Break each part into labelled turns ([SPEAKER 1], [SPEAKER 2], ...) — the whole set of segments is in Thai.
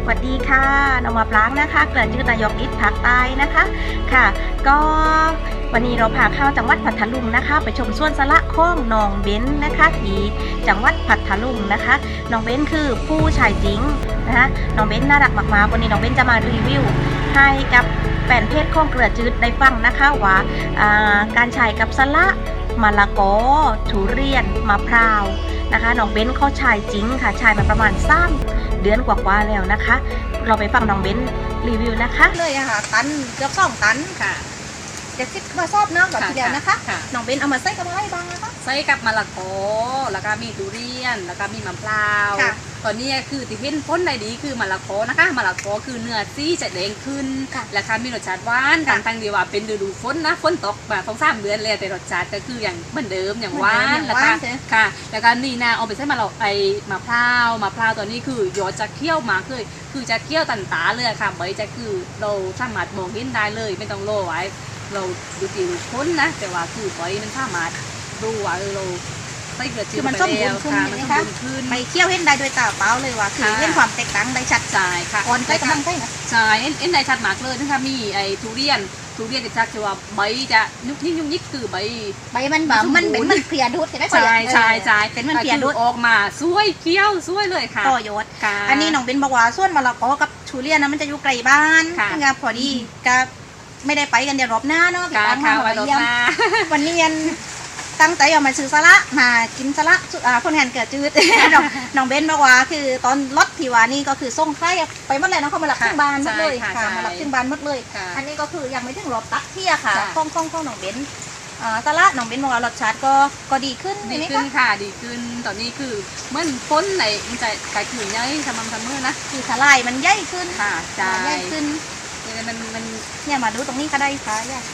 [SPEAKER 1] สวัสดีค่ะนองมาปลางนะคะเกลือจืดนายกอิฐภาคใต้นะคะค่ะก็วันนี้เราพาเข้าจังหวัดพัทลุงนะคะไปชมสวนสละข้องน้องเบ้นนะคะที่จังหวัดพัทลุงนะคะน้องเบ้นคือผู้ชายจริงนะคะน้องเบ้นน่ารักมากๆวันนี้น้องเบ้นจะมารีวิวให้กับแฟนเพจข้องเกลือจืดได้ฟังนะคะว่าการใช้กับสละมะละกอทุเรียนมะพร้าวนะคะน้องเบ้นเขาใช้จริงค่ะใช้มาประมาณ3 เดือนกว่าๆแล้วนะคะเราไปฟังน้องเบ้นรีวิวนะคะเลยอะค่ะตันเกือบ2 ตันค่ะ70 กระสอบเนาะแบบทีเดียวนะคะน้องเบ้นเอามาใส่กับอะไรบ้างนะคะ
[SPEAKER 2] ใส่กับมะละกอแล้วก็มีทุเรียนแล้วก็มีมะพร้าวตอนนี้คือที่เห็นพ้นได้ดีคือมะละกอนะคะมะละกอคือเนื้อซีจะแดงขึ้นและค่ะมีรสชาติหวานตั้งดีว่าเป็นฤดูฝนนะฝนตกมาต้อง3 เดือนเลยแต่รสชาติก็คืออย่างเหมือนเดิมอย่างหวานแล้วก็ค่ะแล้วก็นี่นะเอาไปใส่มะพร้าวตัวนี้คือยอดจะเคี่ยวมาคือจะเคี่ยวตันตาเลยค่ะใบจะคือเราสามารถมองเห็นได้เลยไม่ต้องโรยไว้เราดูตีดูพ้นนะแต่ว่าคือใบมันสามารถดูว่าเราใส่เกลือจืด
[SPEAKER 1] คือมันส้มบุญขึ้นนะคะไปเคี่ยวเห็นได้ด้วยตาเปล่าเลยว่าคือเห็นความแตกต่างได้ชัด
[SPEAKER 2] ใช่ค่ะ
[SPEAKER 1] อ่อนใกล้กำลังใกล้นะ
[SPEAKER 2] ใช่เห็นได้ชัดมากเลยนะคะมีไอ้ทุเรียนจะชักว่าใบจะยุกยิกคือใบ
[SPEAKER 1] มันแบบมันเป็นมันเพลียดุดใช่ไหม
[SPEAKER 2] ใช่
[SPEAKER 1] เป็นมันเพลียดุด
[SPEAKER 2] ออกมาสวยเคี้ยวสวยเลยค่ะ
[SPEAKER 1] ต่อยศอันนี้น้องเบนบอกว่าส่วนมะละกอกับทุเรียนนะมันจะอยู่ไกลบ้านนะคะพอดีก็ไม่ได้ไปกันเดี๋ยวรอบหน้าเนาะ
[SPEAKER 2] ค่ะ
[SPEAKER 1] วันนี้วันนี้ตั้งใจเอามาซื้อสละมากินสละคนงานเกิดจืดน้องเบนบอกว่าคือตอนรถที่ว่านี่ก็คือส่งใครไปหมดเลยเนาะเขามารับถึงบ้านหมดเลยค่ะมารับถึงบ้านหมดเลยอันนี้ก็คือยังไม่ถึงรอบตักเที่ยค่ะข้องน้องเบนสละน้องเบนบอกว่ารสชาติก็ดีขึ้น
[SPEAKER 2] ค่ะดีขึ้นตอนนี้คือเมื่อพ้นในมันจะกลายเป็นย่อยสม่ำเสมอนะ
[SPEAKER 1] คือสลายมันใหญ่ขึ้น
[SPEAKER 2] ค่ะให
[SPEAKER 1] ญ่ขึ้น
[SPEAKER 2] มัน
[SPEAKER 1] เนี่ยมาดูตรงนี้ก็ได้ค่ะเนี่ย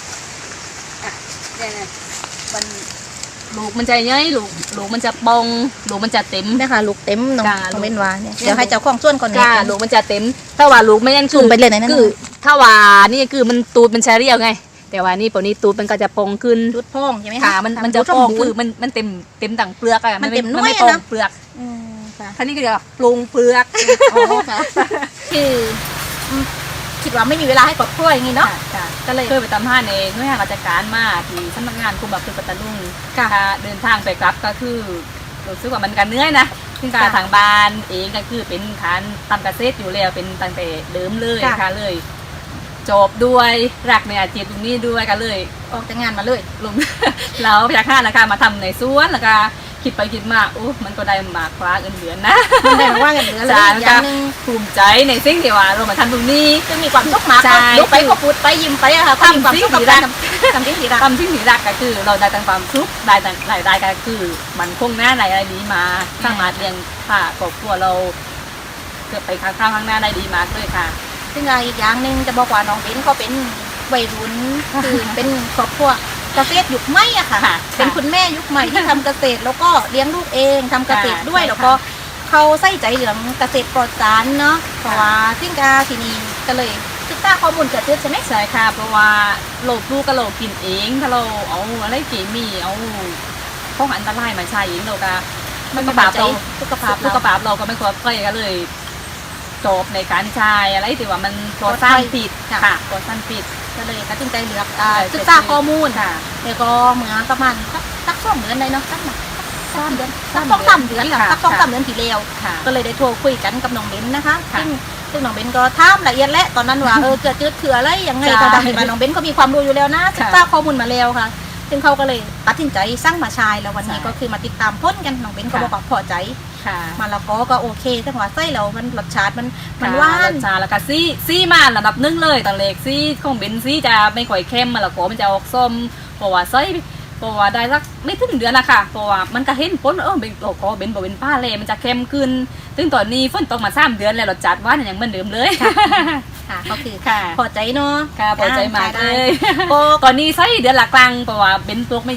[SPEAKER 2] มันลูกมันจะย่อยลูกมันจะปองลูกมันจะเต็ม
[SPEAKER 1] นะคะลูกเต็มน้องเบนว่าเนี่ยเดี๋ยวให้เจ้าของส่วนก่อน
[SPEAKER 2] ค่ะลูกมันจะเต็มถ้าว่าลูกไม่ยัน
[SPEAKER 1] คือไปเลยนะ
[SPEAKER 2] คือถ้าว่านี่คือมันตูดมันแชเรียลไงแต่ว่านี่ปนี้ตูดมันก็จะปองขึ้น
[SPEAKER 1] ตูดพองใช่ไหม
[SPEAKER 2] คะมันจะปองคือมันเต็มดั่งเปลือกอะ
[SPEAKER 1] มันเต็มน้อย
[SPEAKER 2] ไม่ปองเปลือกท่านี้ก็จะปรุงเปลือก
[SPEAKER 1] คือคิดว่าไม่มีเวลาให้กดกล้วยอย่างนี้เนาะ
[SPEAKER 2] ก็เลยเคยไปตามห้าเองหน่วยงานราชการมาที่สำนักงานคุมแบบคือปัตตานีเดินทางไปกลับก็คือรู้สึกว่ามันกันเหนื่อยนะซึ่งการทางบ้านเองก็คือเป็นฐานทำเกษตรอยู่แล้วเป็นตั้งแต่เดิมเลยค่ะเลยจบด้วยรักในอาชีพตรงนี้ด้วยกันเลย
[SPEAKER 1] ออกจากงานมาเลย
[SPEAKER 2] ลงแล้วพยักหน้านะคะมาทำในสวนแล้วก็คิดไปคิดมามันก็ได้มากกว่าเงินเดือนนะ
[SPEAKER 1] มันได้มากกว่าเงินเดือนเลย
[SPEAKER 2] อย่างนึงภูมิใจในสิ่งที่ว่าเรามาทำตรงนี้
[SPEAKER 1] จะมีความสุขมากดูไปก็พูดไปยิ้มไปอะค่ะ
[SPEAKER 2] ทำสิ่งที่รักทำสิ่งที่รักก็คือเราได้ตั้งความสุขได้ตั้งรายได้ก็คือมันคงหน้าในอะไรดีมาสามารถเลี้ยงค่ะครอบครัวเราเกิดไปข้างหน้าได้ดีมากเลยค่ะ
[SPEAKER 1] ซึ่งอีกอย่างหนึ่งจะบอกว่าน้องเบนเขาเป็นวัยรุ่นคือเป็นครอบครัวเกษตรยุคใหม่อะค่ะเป็นคุณแม่ยุคใหม่ที่ทำเกษตรแล้วก็เลี้ยงลูกเองทำเกษตรด้วยแล้วก็เขาใส่ใจเรื่องเกษตรปลอดสารเนาะเพราะว่าซึ่งที่นี่ก็เลยศึกษาข้อมูลเกิดขึ้นใช่ไหม
[SPEAKER 2] ใช่ค่ะเพราะว่าเราลูกก็เรากินเองถ้าเราเอาอะไรเคมีเอาของอันตรายมาใช้เองเราก็ไม่กระปาบเราสุขภาพเราก็ไม่ควรใกล้กันเลยจบในการใช้อะไรที่ว่ามันปลอดสารพิษค่ะปลอดสารพิษ
[SPEAKER 1] ก็เลยตัดสินใจเลือกศึกษาข้อมูลแล้วก็เหมือนประมาณสัก2 เดือนเลยเนาะสัก3 เดือนสัก2-3 เดือนค่ะสัก2-3 เดือนที่แล้วก็เลยได้โทรคุยกันกับน้องเบนนะคะซึ่งน้องเบนก็ถามละเอียดและตอนนั้นว่าเกิดจืดคืออะไรยังไงก็ดังมาน้องเบนก็มีความรู้อยู่แล้วนะศึกษาข้อมูลมาแล้วค่ะซึ่งเขาก็เลยตัดสินใจสร้างมาชายแล้ววันนี้ก็คือมาติดตามพ้นกันน้องเบนก็บอกว่าพอใจมาแล้วก็โอเคแต่หัวไส้เรามันรสชาติมันหวาน
[SPEAKER 2] รสชาติแล้วก็ซี่มาระดับ1เลยตอนเล็กซี่ของเบนซี่จะไม่ค่อยเข้มมาแล้วก็มันจะออกส้มเพราะว่าไส้เพราะว่าได้สักไม่ถึงเดือนนะคะเพราะว่ามันก็เห็นพ้นเป็นโลโก้เบนบอกเป็นป้าเลยมันจะเข้มขึ้นซึ่งตอนนี้ฝนตกมา3 เดือนแล้วรสชาติหวานอย่างเหมือนเดิมเลย
[SPEAKER 1] ค่ะก็คือพอใจเนาะ
[SPEAKER 2] ค่ะพอใจมากเลยก่อนนี้ไส้เดือนละกลางเพราะว่าเบนตัวไม่เยอะ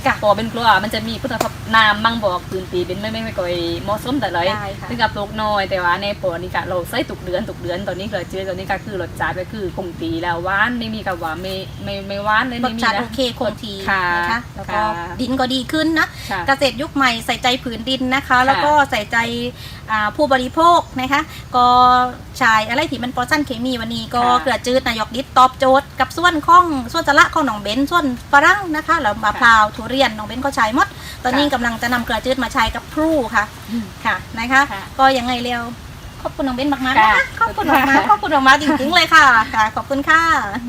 [SPEAKER 1] ค่ะ
[SPEAKER 2] พอเป็นกลัวมันจะมีพุทธภพน้ำมั่งบอกพื้นตีเป็นไม่ก่อยเหมาะสมแต่เลย
[SPEAKER 1] ได้ค่ะ
[SPEAKER 2] ซึ่งกับปลูกน้อยแต่ว่าในปอนี่ก็เราใส่ตุกเดือนตอนนี้เกลือจืดตอนนี้ก็คือรสชาติก็คือคงตีแล้วหวานไม่มีกับว่าไม่หวานเลย
[SPEAKER 1] ร
[SPEAKER 2] ไม่
[SPEAKER 1] ส
[SPEAKER 2] มี
[SPEAKER 1] ชาติ
[SPEAKER 2] นะ
[SPEAKER 1] โอเคคงที
[SPEAKER 2] ค่ะ
[SPEAKER 1] นะคะแล้วก็
[SPEAKER 2] ค่ะ
[SPEAKER 1] ดินก็ดีขึ้นนะ
[SPEAKER 2] ค่ะ
[SPEAKER 1] เกษตรยุคใหม่ใส่ใจผืนดินนะคะ แล้วก็ใส่ใจผู้บริโภคนะคะ ก็ใช้อะไรที่มันปลอดสารเคมีวันนี้ก็
[SPEAKER 2] ค่ะ
[SPEAKER 1] เกลือจืดนายกดิษตอบโจทย์กับส่วนของส่วนสละของหนองเบนส่วนฝรั่งนะคะแล้วมะพร้าวทุเรียนหนองเบนก็ใช้หมด ตอนนี้กำลังจะนำเกลือจืดมาใช้กับพลูค่ะค่ะนะคะ
[SPEAKER 2] ค่ะ
[SPEAKER 1] ก็ยังไงเร็วขอบคุณน้องเบนมากๆนะ
[SPEAKER 2] ค่ะ
[SPEAKER 1] คะขอบคุณมากๆขอบคุณมากๆจริงๆเลยค่ะค่ะ ขอบคุณค่ะ